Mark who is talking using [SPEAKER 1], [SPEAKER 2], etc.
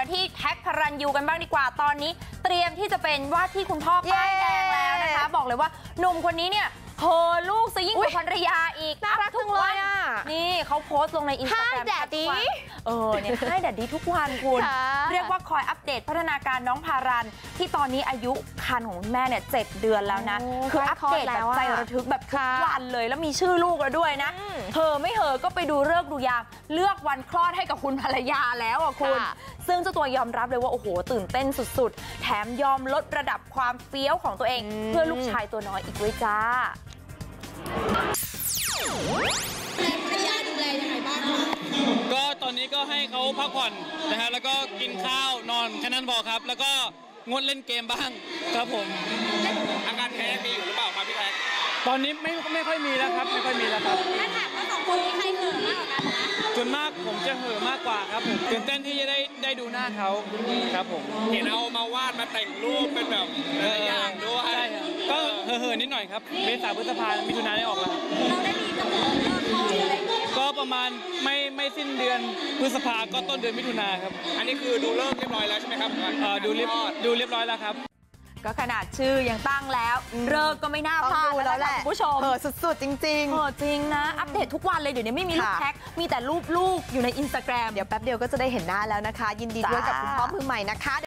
[SPEAKER 1] กันที่แท็กพระรันยูกันบ้างดีกว่าตอนนี้เตรียมที่จะเป็นว่าที่คุณพ่อป้ายแดงแล้วนะคะบอกเลยว่าหนุ่มคนนี้เนี่ยเฮอลูกซะยิ่งกว่าภรรยาอีก
[SPEAKER 2] น่ารักทุกวัน
[SPEAKER 1] นี่เขาโพสต์ลงในอินสตาแกรม
[SPEAKER 2] ให้แดดดี้
[SPEAKER 1] เนี่ยให้แดดดี้ทุกวันคุณเรียกว่าคอยอัปเดตพัฒนาการน้องพารันที่ตอนนี้อายุครรภ์ของแม่เนี่ย7 เดือนแล้วนะคืออัปเดตแบบใจระทึกแบบทุกวันเลยแล้วมีชื่อลูกแล้วด้วยนะเฮอไม่เฮอก็ไปดูฤกษ์ดูยามเลือกวันคลอดให้กับคุณภรรยาแล้วอ่ะคุณซึ่งเจ้าตัวยอมรับเลยว่าโอ้โหตื่นเต้นสุดๆแถมยอมลดระดับความเฟี้ยวของตัวเองเพื่อลูกชายตัวน้อยอีกด้วยจ้า
[SPEAKER 3] ภรรยาดูแลยังไงบ้างคะ
[SPEAKER 4] ก็ตอนนี้ก็ให้เขาพักผ่อนนะฮะแล้วก็กินข้าวนอนแค่นั้นพอครับแล้วก็งดเล่นเกมบ้างครับผมอาการแพ้มีอยู่หรือเปล่าครับพี่แท็กตอนนี้ไม่ค่อยมีแล้วครับไม่ค่อยมีแล้วครับ
[SPEAKER 3] ถ้าถามว่า2 คนนี้ใครเขินมากกว่ากันนะ
[SPEAKER 4] ส่วนมากผมจะเห่อมากกว่าครับผมตื่นเต้นที่จะได้ดูหน้าเขาครับผมเห็นเอามาวาดมาแต่งรูปเป็นแบบอย่างด้วยใช่ก็เห่อนิดหน่อยครับเมษาพฤษภามิถุนายนได้ออกแล้ว
[SPEAKER 3] เราได้มีกำหนดเลิกท้องอะไรอย่างเงี้ย
[SPEAKER 4] ก็ประมาณไม่สิ้นเดือนพฤษภาก็ต้นเดือนมิถุนาครับอันนี้คือดูเลิกเรียบร้อยแล้วใช่ไหมครับดูเรียบร้อยแล้วครับ
[SPEAKER 1] ก็ขนาดชื่อยังตั้งแล้วเลิกก็ไม่น่าพลาดแล้วแหละคุณผู้ชม
[SPEAKER 2] สุดๆจริงๆ
[SPEAKER 1] จริงนะอัปเดตทุกวันเลยเดี๋ยวนี้ไม่มีลูกแท็กมีแต่รูปลูกอยู่ใน Instagram
[SPEAKER 2] เดี๋ยวแป๊บเดียวก็จะได้เห็นหน้าแล้วนะคะยินดีด้วยกับคุณพ่อมือใหม่นะคะ